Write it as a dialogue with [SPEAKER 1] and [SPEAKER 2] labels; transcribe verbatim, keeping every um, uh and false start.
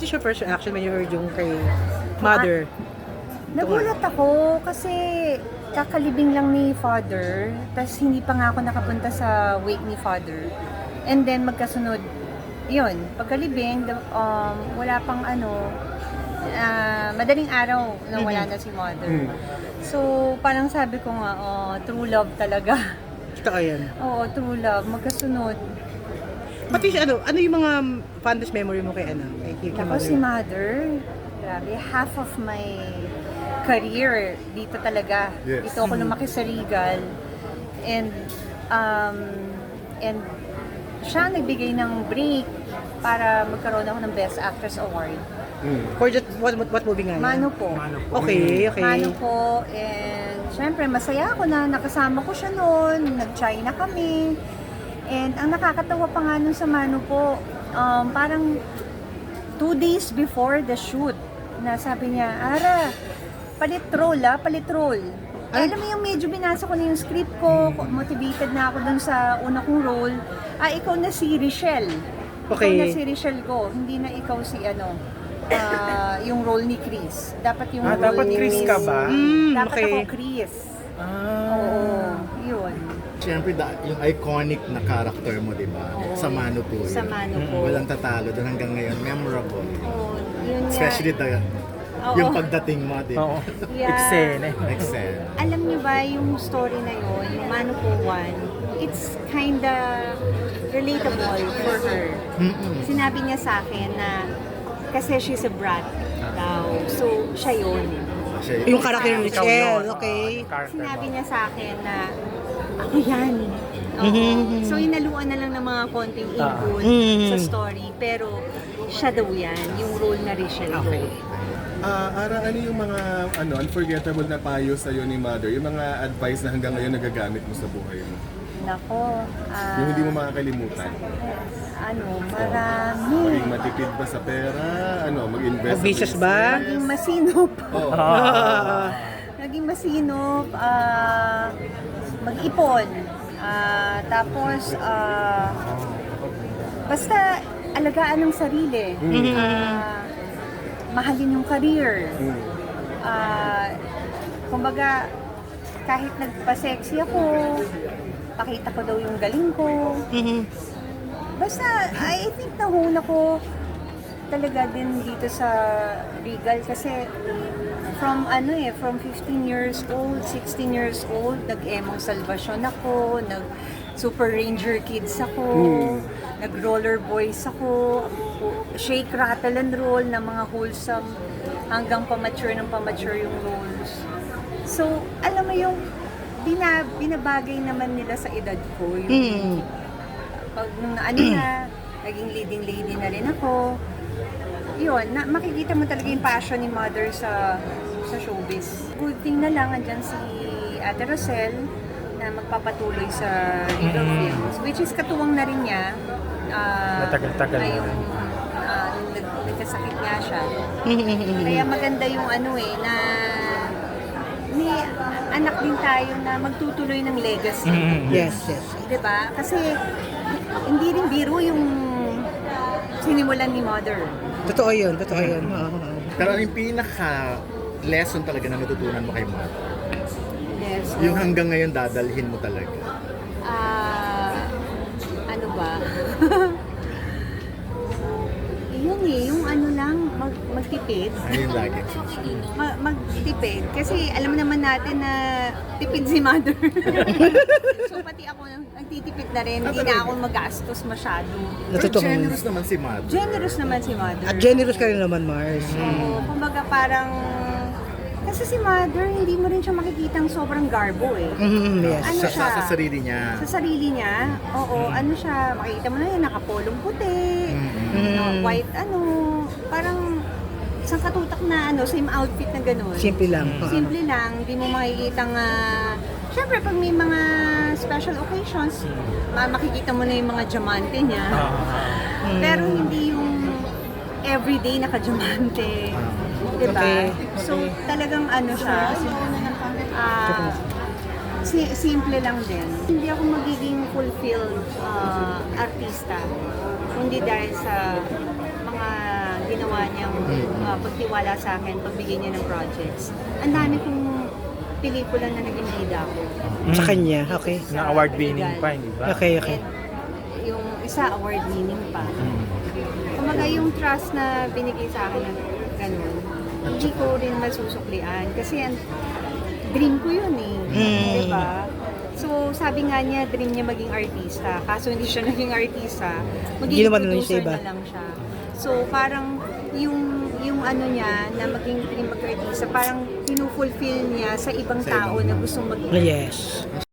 [SPEAKER 1] What is your first reaction when you heard yung kay Mother?
[SPEAKER 2] Nagulat ako kasi kakalibing lang ni Father, tas hindi pa nga ako nakapunta sa wake ni Father. And then magkasunod, yun, pagkalibing, the- um, wala pang ano, ah, madaling araw na wala na si Mother. So parang sabi ko nga, oh, true love talaga.
[SPEAKER 1] Totoo yan.
[SPEAKER 2] Oo, true love, magkasunod.
[SPEAKER 1] Pati siya, ano, ano yung mga fondest memory mo kay ano? Kay, kay
[SPEAKER 2] Ako
[SPEAKER 1] Mother?
[SPEAKER 2] si Mother, grabe, half of my career dito talaga.
[SPEAKER 3] Yes.
[SPEAKER 2] Dito ako lumaki sa Regal. And, um, and siya nagbigay ng break para magkaroon ako ng Best Actress Award.
[SPEAKER 1] For just, what, what, what movie nga yan?
[SPEAKER 2] Mano po.
[SPEAKER 1] Okay, okay.
[SPEAKER 2] Mano po. And syempre, masaya ako na nakasama ko siya noon. Nag-China kami. And ang nakakatawa pa nga nun sa Mano po, um, parang two days before the shoot, na sabi niya, Ara, palitrol ah, palitrol. Ay, alam mo yung medyo binasa ko na yung script ko, motivated na ako dun sa una kong role. Ah, ikaw na si Richelle.
[SPEAKER 1] Okay.
[SPEAKER 2] Ikaw na si Richelle ko, hindi na ikaw si ano, ah, yung role ni Chris. Dapat yung
[SPEAKER 4] Ah,
[SPEAKER 2] role
[SPEAKER 4] dapat
[SPEAKER 2] ni
[SPEAKER 4] Chris ka ba?
[SPEAKER 1] Mm,
[SPEAKER 2] Dapat
[SPEAKER 1] okay.
[SPEAKER 2] ako Chris.
[SPEAKER 4] Ah.
[SPEAKER 2] Oo, yun.
[SPEAKER 3] Siyempre, da- yung iconic na character mo, di ba?
[SPEAKER 2] Oo.
[SPEAKER 3] Sa Mano po yun.
[SPEAKER 2] Sa Mano po.
[SPEAKER 3] Walang tatalo doon hanggang ngayon. Memorable.
[SPEAKER 2] Oo, yun nga.
[SPEAKER 3] Especially the,
[SPEAKER 2] Oo.
[SPEAKER 3] yung pagdating mo, di
[SPEAKER 4] Oo.
[SPEAKER 3] ba?
[SPEAKER 2] Yeah.
[SPEAKER 4] Eksene.
[SPEAKER 3] Excel.
[SPEAKER 2] Alam niyo ba yung story na yun, yung Mano po one, it's kinda relatable for her.
[SPEAKER 3] Mm-mm.
[SPEAKER 2] Sinabi niya sa akin na kasi she's a brat daw. So, siya yun.
[SPEAKER 3] Siya
[SPEAKER 1] Yung character ni
[SPEAKER 4] Ikaw
[SPEAKER 1] Richelle,
[SPEAKER 4] yun.
[SPEAKER 1] okay.
[SPEAKER 4] Oo, character
[SPEAKER 2] Sinabi
[SPEAKER 4] mo.
[SPEAKER 2] niya sa akin na ako yan. Oo.
[SPEAKER 1] Mhm.
[SPEAKER 2] So, inaluan na lang ng mga konting input
[SPEAKER 1] Mhm.
[SPEAKER 2] sa story. Pero, siya daw yan, yung role na Richelle ko.
[SPEAKER 5] Ah, Ara, ano yung mga ano unforgettable na payo sa ni Mother? Yung mga advice na hanggang ngayon nagagamit mo sa buhay mo?
[SPEAKER 2] Nako, ah,
[SPEAKER 5] Yung hindi mo makakalimutan.
[SPEAKER 2] ano, marami.
[SPEAKER 5] Maging matipid ba sa pera? Ano, mag-invest sa
[SPEAKER 1] Mag-business ba?
[SPEAKER 2] Naging masinop.
[SPEAKER 5] Oo.
[SPEAKER 2] Naging masinop, ah, mag-ipon. Ah, tapos, ah, basta alagaan ng sarili. Ah, mahalin yung career. Ah, kumbaga, kahit nagpa-sexy ako, pakita ko daw yung galing ko.
[SPEAKER 1] Mhm.
[SPEAKER 2] Basta, I think nahuna ko talaga din dito sa Regal kasi from ano eh, from fifteen years old, sixteen years old, nag-emong salvation ako, nag Super Ranger Kids ako, nag Roller Boys ako, shake, rattle and roll na mga wholesome hanggang pamature ng pamature yung roles. So, alam mo yung bina, binabagay naman nila sa edad ko, yung
[SPEAKER 1] Mm.
[SPEAKER 2] pag nung ano na, naging leading lady na rin ako. Yun, na, makikita mo talaga yung passion ni Mother sa sa showbiz. Good thing na lang, andyan si Ate Rosel na magpapatuloy sa Regal Films, which is katuwang na rin niya. Ah,
[SPEAKER 4] Matagal-tagal na
[SPEAKER 2] ngayong,
[SPEAKER 4] rin.
[SPEAKER 2] ah, nung nag- nagkasakit nga siya. Kaya maganda yung ano eh, na may anak din tayo na magtutuloy ng legacy.
[SPEAKER 1] Yes, yes.
[SPEAKER 2] Diba? Kasi hindi rin biro yung sinimulan ni Mother.
[SPEAKER 1] Totoo yun, totoo yun. Oo, oo.
[SPEAKER 3] Pero yung pinaka lesson talaga na natutunan mo kay Mother,
[SPEAKER 2] Yes.
[SPEAKER 3] yung hanggang ngayon dadalhin mo talaga.
[SPEAKER 2] Ah, ano ba? Yun eh, yung ano lang, mag, magtipid.
[SPEAKER 3] Ano yung lagi?
[SPEAKER 2] Ma- magtipid. Kasi alam naman natin na tipid si Mother. So pati ako nagtitipid na rin. Hindi na ako magastos masyado.
[SPEAKER 3] Pero
[SPEAKER 1] Natotoo.
[SPEAKER 3] generous naman si Mother.
[SPEAKER 2] Generous naman si Mother.
[SPEAKER 1] At generous ka rin naman, Mars.
[SPEAKER 2] Oo, kumbaga parang... Kasi si Mother, hindi mo rin siya makikitang sobrang garbo eh.
[SPEAKER 1] Mhm, yes.
[SPEAKER 2] Ano
[SPEAKER 3] Sa,
[SPEAKER 2] siya?
[SPEAKER 3] sa, sa sarili niya.
[SPEAKER 2] Sa sarili niya, oo, ano siya, makikita mo na yun, nakapolong puti,
[SPEAKER 1] Mm.
[SPEAKER 2] no, white ano, parang isang katutak na ano, same outfit na gano'n.
[SPEAKER 1] Simple lang. Oo.
[SPEAKER 2] Simple lang, hindi mo makikita nga, syempre pag may mga special occasions, ma- makikita mo na yung mga diamante niya. Pero hindi yung everyday naka-diamante. Diba?
[SPEAKER 1] Okay,
[SPEAKER 2] So talagang ano siya, ah, si- simple lang din. Hindi ako magiging fulfilled ah, artista, kundi dahil sa mga ginawa niyang uh, pagtiwala sa akin, pagbigay niya ng projects. Ang dami kong pelikula na naging bida ako.
[SPEAKER 1] Sa kanya, okay.
[SPEAKER 4] Na award winning pa, hindi ba?
[SPEAKER 1] Okay, okay.
[SPEAKER 2] And yung isa award winning pa. Kumaga yung trust na binigay sa akin ng ganun, hindi ko rin masusuklian. Kasi yan, dream ko yun eh.
[SPEAKER 1] Mm.
[SPEAKER 2] Diba? So, sabi nga niya, dream niya maging artista. Kaso hindi siya naging artista.
[SPEAKER 1] Hindi
[SPEAKER 2] Magiging
[SPEAKER 1] naman ano yung
[SPEAKER 2] producer
[SPEAKER 1] iba.
[SPEAKER 2] na lang siya. So, parang yung yung ano niya na maging dream mag-artista, parang pinufulfill niya sa ibang
[SPEAKER 3] Sa
[SPEAKER 2] tao
[SPEAKER 3] ibang-
[SPEAKER 2] na gustong maging
[SPEAKER 1] Yes.